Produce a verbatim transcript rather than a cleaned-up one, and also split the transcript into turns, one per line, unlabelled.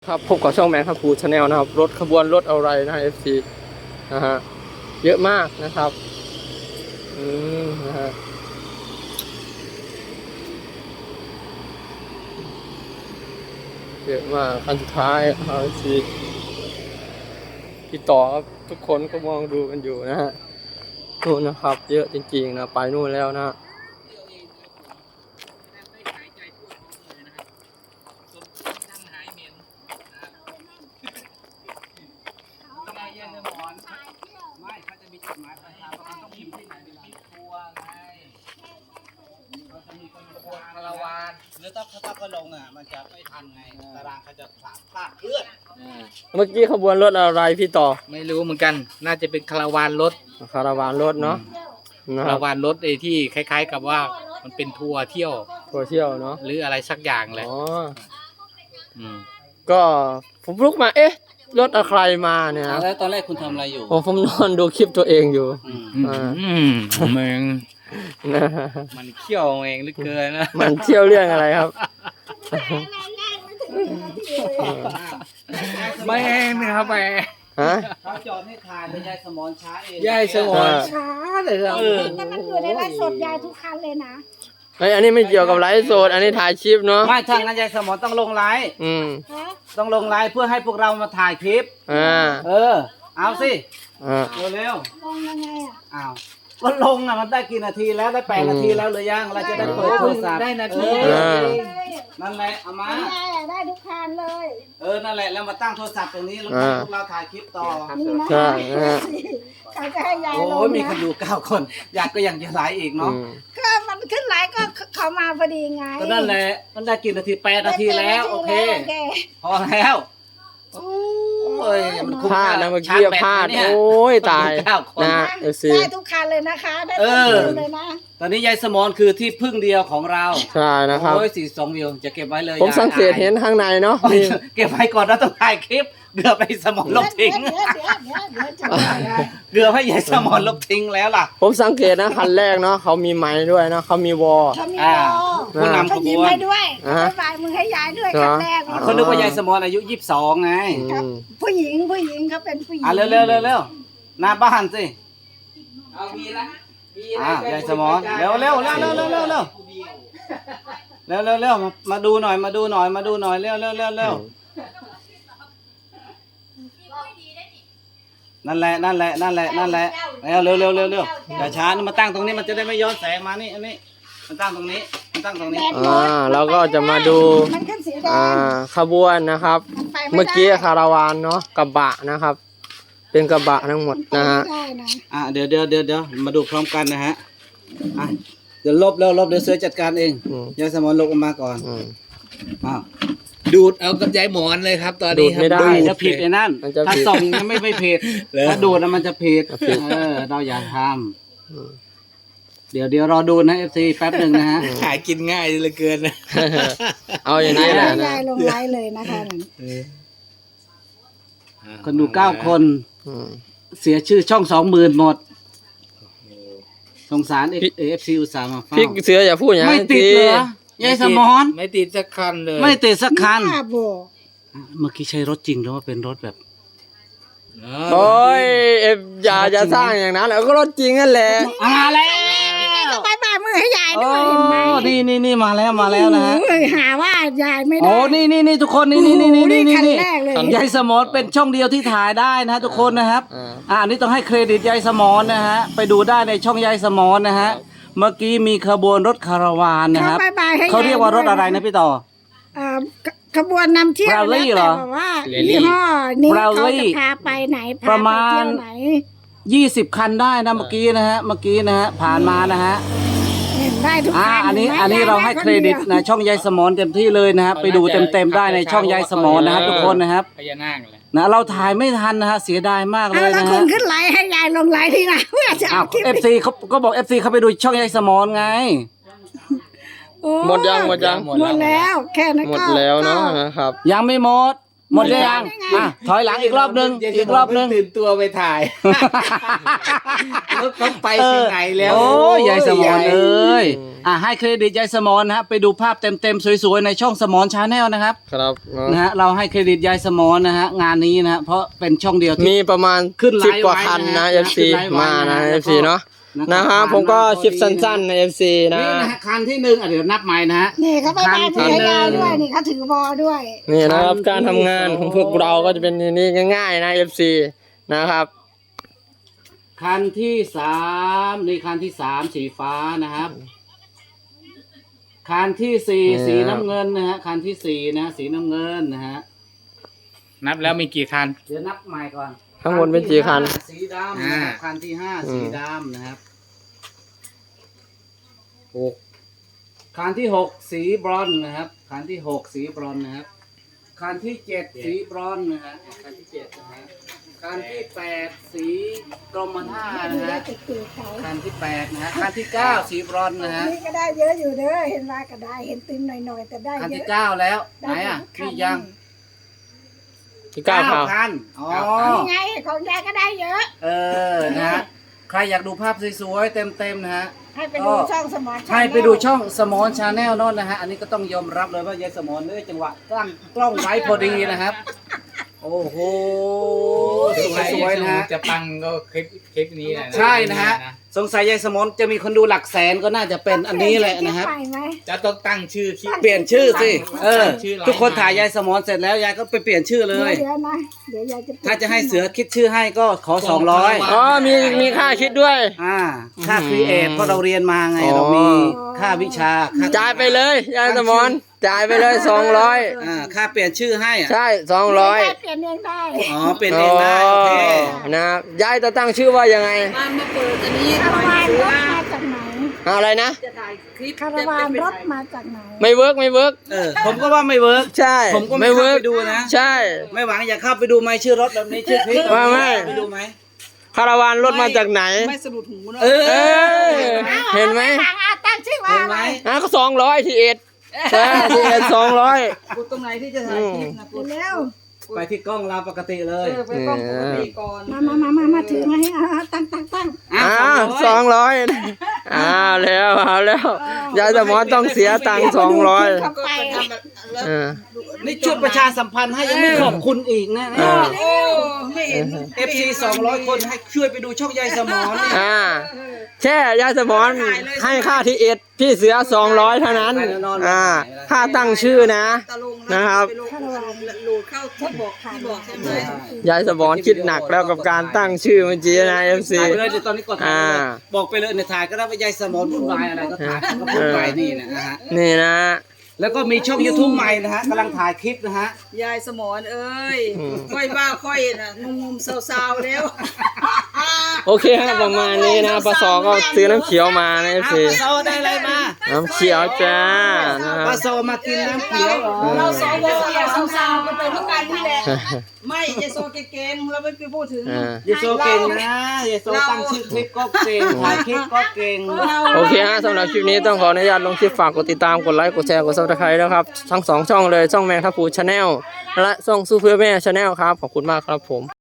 ครับพบกับช่องแมนครับพูชาแนลนะครับรถขบวนรถอะไรนะ เอฟ ซี นะฮะเยอะมากนะครับอืมนะฮะเยอะมากคันสุดท้ายครับ เอฟ ซี ที่ต่อครับทุกคนก็มองดูกันอยู่นะฮะนู่นนะครับเยอะจริงๆนะไปนู่นแล้วนะ
ไม่เขาจะมีจดหมายปลายทางว่าต้องพิมพ์ที่ไหนดีล่ะทัวร์ไงเขาจะมีคนทัวร์คาราวานหรือถ้าเขาต้องก็ลงอ่ะมันจะไม่ทันไงตารางเขาจะพลาดพลาดเคลื่อน
เมื่อกี้ขบวนรถอะไรพี่ต่อ
ไม่รู้เหมือนกันน่าจะเป็นคาราวานรถ
คาราวานรถเนาะนะ
คา
ครั
รา
บ
วานรถไอ้ที่คล้ายๆกับว่ามันเป็นทัวร์เที่ยว
ทัวร์เที่ยวเนาะ
หรืออะไรสักอย่างแหละ
อ๋อ
อืม
ก็ผมลุกมาเอ๊ะรถอะไรมาเนี่ยนะ
แล้วตอนแรกคุณทำอะไรอยู่
ผมผมนอนดูคลิปตัวเองอยู่
อืม
อ่า
อืมเมือง
นะ
มันเขี้ยวเองเหลือเกินนะ
มันเที่ยวเรื่องอะไรครับ
ไม่นะครับไป
ฮะ
เขาจอดให้ทานแต่ยายสมอนช้าเอง
ยายสมอนช้าเลยครับ
แต่มันอยู่ในไลฟ์สดยายทุกคันเลยนะ
ไอยอันนี้ไม่เกี่ยวกับไลฟ์สดอันนี้ถ่ายคลิปเนาะ
ไม่ถ้างั้นยายสมอนต้องลงไลฟ์
อืม
ฮะ
ต้องลงไลฟ์เพื่อให้พวกเรามาถ่ายคลิป
อ่า
เออ เอาสิ
อ่า
เร็ว
ลงยังไงอ่ะ
ๆอ้าวก็ลงอ่ะมันได้กี่นาทีแล้วได้แปดนาทีแล้วหรือยังเราจะได้เปิดโทรศัพท์
ได้นาที
เอ
อ่า
อนั่นแหละเอามา
ยายอะได้ทุกคันเลย
เออนั่นแหละแล้วมาตั้งโทรศัพท์ตรงนี้แล้วให้พวกเราถ่ายคลิปต่อ
นี่นะ
ใช่นะฮะ
เขาจะให้ยาย
โอ้
ลง
ยมีคน
นะ
ดูเก้าคนอยากก็ยังจะไลฟ์อีก
อื
เนาะ
ม
ก็มันขึ้นไลฟ์ก็เขามาพอดีไง
ก็นั่นแหละมันได้กี่นาทีแปดนาทีแล้วโอเค
โอเค
พอแล้วโอ้ยมันคุ้ม
พลาด
ค่
นะเมื่อกี้
ชร์จแบต
พลาด
นะเนี่ย
โอ้ยตาย
ดูเก้าคน
นะเอฟซี
ได้ทุกคันเลยนะคะได้
เอ
ทุก
อ
คันเลยนะ
ตอนนี้ยายสมอนคือที่พึ่งเดียวของเรา
ใช่นะครับ
โอ้ยสี่สองวิวจะเก็บไว้เลย
ผม
ยาย
สังเกตเห็นข้างในเนาะ
โอ้ย
มี
เก็บไว้ก่อนนะต้องถ่ายคลิปเกือบไปสมอนลบทิ้ง
เดี๋ยวเดี๋ยวเดี๋ยวเดี๋ยวจะได้
เกือบให้ยายสมอนลบทิ้งแล้วล่ะ
ผมสังเกตนะคันแรกเนาะเขามีไม้ด้วยเนาะเขามีวอล
เขามี
อ่า
โบ
ผู้นำข
เขา
บ
ยิ้ม
วน
ให้ด้วย
อ่า
บ๊ายบายมือให้ยายด้วย
เหรอ
คันแรก
เขานึกว่ายายสมอนอายุยี่สิบสองไง
อืม
ผู้หญิงผู้หญิงเขาเป็นผู้หญิง
อ่ะเร็วเร็วเร็วเร็วหน้าบ้านสิ
เอามีละมี
อ่ะยายสมอนเร็วเร็วเร็วเร็วเร็วเร็วเร็วเร็วเร็วเร็วมามาดูหน่อยมาดูหน่อยมาดูหน่อยเร็วเร็วเร็วเร็วนั่นแหละนั่นแหละนั่นแหละนั่นแหละเร็วเร็วเร็วเร็วเร็วอย่าช้านี่มาตั้งตรงนี้มันจะได้ไม่ย้อนแสงมานี่อันนี้มันตั้งตรงนี้มันตั้งตรงนี้
อ่าเราก็จะมาดู
มันขึ้นสีแด
อ่าง ขบวนนะครับ
มันไปไได้
เมื่อกี้คาราวานเนาะกระบะนะครับ เป็นกระบะทั้งหมดนะฮะ
ได้นะ
อ่ะเดี๋ยวเดี๋ยวเดี๋ยวเดี๋ยวมาดูพร้อมกันนะฮะอ่ะเดี๋ยวลบแล้วลบเดี๋ยวเสือจัดการเอง
อืม
ยายสมอนลบออกมาก่อน
อืม
อ้าว
ดูดเอากับยายหมอนเลยครับ ตอนนี้ครับ
ดูดไม่ได้
ดูจะผิดไอ้นั่น
มันจะผิด
ถ้าส่องยังไม่ไม่ผิด
เหรอ
ถ้าดูดแล้วมันจะผิด
ผิด
เออเราอย่าท
อืม
ำเดี๋ยวเดี๋ยวรอดูนะเอฟซีแป๊บหนึ่งนะฮะ
หากินง่ายเหลือเกินนะ
เอาอย่างนี้แหละนะ
ยายลงไลฟ์เลยนะคะนั่น
คนดูเก้าคน
อืม
เสียชื่อช่องสองหมื่นหมดสงสารเอฟซีอุตส่าห์มาเฝ้า
พี่เสืออย่าพูดอย่าง
ไม่
นั้น
ติด
สิ
เหรอยายสมอน
ไม่ติดสักคันเลย
ไม่ติดสักคัน
บ้าบอ
เมื่อกี้ใช้รถจริงหรือว่าเป็นรถแบบ
เอ
โอ้ยเอฟอย่าอย่าสร้างอย่างนั้นแล้วก็รถจริงนั่นแหละ
มาแล้ว
ก็บายบายมือให้ยาย
โอ้
ด้วยเห็นไหม
นี่นี่นี่มาแล้วมาแล้วนะฮะ
โอ้ยหาว่ายายไม่ได้
โอ้นี่นี่นี่ทุกคนนี่นี่นี่นี่นี่นี่
คัน
นี่
แรกเลย
ยายสมอนเป็นช่องเดียวที่ถ่ายได้นะฮะทุกคนนะครับ
อ่า
อ่าอันนี้ต้องให้เครดิตยายสมอนนะฮะไปดูได้ในช่องยายสมอนนะฮะเมื่อกี้มีขบวนรถคาราวานนะครับ
เขาบายบายให้
เขาเรียกว่ารถอะไรนะพี่ต่อ
อ่าขบวนนำเที่ยว
Rally
แล้ว
เหร
แต่
อ
แบบว่ายี่ห้อนี้
Rally
เขาจะพาไปไหนพา
ประ
ไป
มาณ
เที่ยวไหน
ยี่สิบคันได้นะเมื่อกี้นะฮะเมื่อกี้นะฮะผ่านมานะฮะ
เห็นได้ทุก
อ่า
คัน
อันนี้
ห็ไหม
อันนี้เราให้เครดิตนะช่องยายสมอนเต็มที่เลยนะฮะไปดูเต็มๆได้ในช่องยายสมอนนะครับทุกคนนะครับ
พญานาคเลย
นะเราถ่ายไม่ทันนะฮะเสียดายมากเล
เอา
ย
แล้ว
นะ
คุ
ฮะ
ณขึ้นไลฟ์ให้ยายลงไลฟ์ทีหลังเพื่อจะ
อ้า
เอา
ว
คลิป
เอฟซีเขาก็บอกเอฟซีเขาไปดูช่องยายสมอนไง
โอ้
หมดยังหมดยัง
หมดแล้วแค่นั้น
หมด
ก็
แล้วเนาะ
ก็
นะครับ
ยังไม่หมดหมดเลยยังอ่ะถอยหลังอีกรอบนึงอีกรอบนึง
ตื่นตัวไปถ่ายรถต้องไป
เอ
ที่
อ
ไหนแล้ว
โอ้ยยายสมอน
ยาย
เอ้ยอ่ะให้เครดิตยายสมอนนะฮะไปดูภาพเต็มๆสวยๆในช่องสมอนชาแนลนะครับ
ครับเนอะ
นะฮะเราให้เครดิตยายสมอนนะฮะงานนี้นะฮะเพราะเป็นช่องเดียวที่
มีประมาณ
ขึ้นไลฟ์
สิบกว่า
ไว้
คัน
นะ
นะ
ฮะ
เอฟซี
ขึ้นไลฟ์ไว้
มานะ
นะ
เอ
แล้ว
ฟซี
ก็
เนาะ
นะครับ
นะครับผมก็คลิปสั้นๆในเอฟซีนะ
นี่นะฮะคันที่หนึ่งอ่ะเดี๋ยวนับใหม่นะฮะ
นี่เขาไปบ้าน
คั
ถื
น
อ
ที่
ยาว
หนึ่ง
ด้วยนี่เขาถือบอด้วย
นี่นะครับ
คันที่
การทำงานของพวกเราก็จะเป็นอย่างนี้ง่ายๆนะเอฟซีนะครับ
คันที่สามนี่คันที่สามสีฟ้านะครับคันที่สี่
นี่
สีน้ำเงินนะฮะคันที่สี่นะสีน้ำเงินนะฮะ
นับแล้วมีกี่คัน
เดี๋ยวนับใหม่ก่อน
ข้างบนเป็นกี่คัน
ที่ห้าสีดำนะครับ
อ่า
คันที่ห้า
อืม
สีดำนะครับหกคันที่หกสีบรอนซ์นะครับคันที่หกสีบรอนซ์นะครับคันที่เจ็ดสีบรอนซ์นะฮะคันที่เจ็ดนะฮะคันที่แปดสีกรมท่า
ดู
นะ
ได้
ฮะ
ติดติดเขา
คันที่แปดนะฮะคันที่เก้าสีบรอนซ์นะฮะ
นี่ก็ได้เยอะอยู่เด้อเห็นว่าก็ได้เห็นติมหน่อยๆแต่ได้
คัน
เย
ที่
อะ
เก้าแล้วไหน
ได้
อ่ะ
คั
มียัง
ที่เก้าครับ
คันอ๋อ
นี่ไงของยายก็ได้เยอะ
เออนะฮะใครอยากดูภาพสวยๆเต็มๆนะฮะ
ให้ไปดูช่องสมอ
ให้ไปดูช่องสมอนชาแนลโน่นนะฮะ อันนี้ก็ต้องยอมรับเลยว่ายายสมอนเนี่ยจังหวะตั้งกล้องไว้พอดีนะครับ โอ้โห สวยๆนะฮะ
จะปังก็คลิปคลิปนี้แหละ
ใช่นะฮะ สงสัยยายสมอนจะมีคนดูหลักแสนก็น่าจะเป็นอันนี้แหละนะครับ
ไปไหม
จะต้องตั้งชื่อคลิป
เปลี่ยนชื่อสิ เออ
ชื่อไลน์
ทุกคนถ่ายยายสมอนเสร็จแล้วยายก็ไปเปลี่ยนชื่อเลย
เดี๋ยวนะเดี๋ยวยายจะ
ถ้าจะให้เสือคิดชื่อให้ก็ขอสองร้อย
อ๋อมีมีค่าคิดด้วย
อ่า ค่าครีเอทเพราะเราเรียนมาไง
อ๋อ
เรามีค่าวิชาค่
จ่ายไปเลยยายสมอนจ่ายไปเลยสองร้อย
อ่า ค่าเปลี่ยนชื่อให้อ่ะ
ใช่สองร้อย
ยายเปลี่ยนเองได้
อ๋อ เปลี่ยนเองได้ โอเค
นะครับยายจะตั้งชื่อว่ายังไง
คาราวานรถมาจากไหน
อะไรนะ
คาราวานรถมาจากไหน
ไม่เวิร์กไม่เวิร์ก
เออ ผมก็ว่าไม่เวิร์ก
ใช่
ผมก็ไม่
เวิ
เข้า
ร์ก
ไปดูนะ
ใช่
ไม่หวังอยากเข้าไปดูไหมชื่อรถแบบนี้ชื่อคลิป
ว่าไม่
ไปดูไหม
คาราวานรถมาจากไหน
ไม่สะดุดหูนะ
เอ
เอ
อ เห็นไหม
ต่างอาตั้งชื่อว่า
เห็น
อะ
ไหม
ไร
อ่ะก็สองร้อยทีเอ็ดใช่ทีเอ็ดสองร้อย
กูตรงไหนที่จะถ่ายคลิปนะกู
เร็ว
ไปที่กล้องเราปกติเลย
มามามามามาถือมาให้อ่าตั้งตั้งตั้ง
อ่ะ
อ่าสองร้อยอ่าแล้วเอาแล้วยายสมอนต้องเสียตังค์สองร้อย
เข้าไป
เออ
นี่ช่วยประชาสัมพันธ์ให้ยังไม่ขอบคุณอีกนะ
เออ
เอฟซีสองร้อยคนให้ช่วยไปดูช่องยายสมอนเนี่ย
อ่าแค่ยายสมอนให้ค่าทีเอ็ดพี่เสือสองร้อยเท่านั้นอ่าค่าตั้งชื่อนะนะครับ
คาราวาน
ยายสมอนคิดหนักแล้วกับการตั้งชื่อเมื่อกี้นะเอฟซี
ถ่ายไปเลยเดี๋ยวตอนนี้กดถ่ายไปเลย
อ่า
บอกไปเลยในยถ่ายก็ได้ว่ายายสมอนพูดวายอะไรก็ถ่ายก็พูดวายนี่นะฮะ
นี่นะ
แล้วก็มีช่อง YouTube ใหม่นะฮะกำลังถ่ายคลิปนะฮะ
ยายสมอนเอ้ย
อืม
ค่อยว่าค่อยน่ะงงๆเศร้าๆแล้ว
โอเคฮะประมาณนี้นะปสอก็ซื้อน้ำเขียวมานะเอฟ
อ้าว
ซี
ปลาโซได้อะไรมา
น้ำเขียวจ้านะครับ
ปลาโซมากินน้ำเขียวเหรอ
เราสวอย่าเศร้าๆกันไปทุกกันนี่แหละ ไม่ยายโซเก่งๆเราไม่ไปพูดถึง
อ่า
เยโซเก่งนะเยโซตั้งชื่อคลิปก็เก่งถ่ายคลิปก็เก่ง
โอเคฮะสำหรับคลิปนี้ต้องขออนุญาตลงคลิปฝากกดติดตามกดไลค์กดแชร์กดซับสไครต์นะครับทั้งสองช่องเลยช่องแมงทัพพูชาแนลและช่องซูเปอร์แม่ชาแนลครับขอบคุณมากครับผม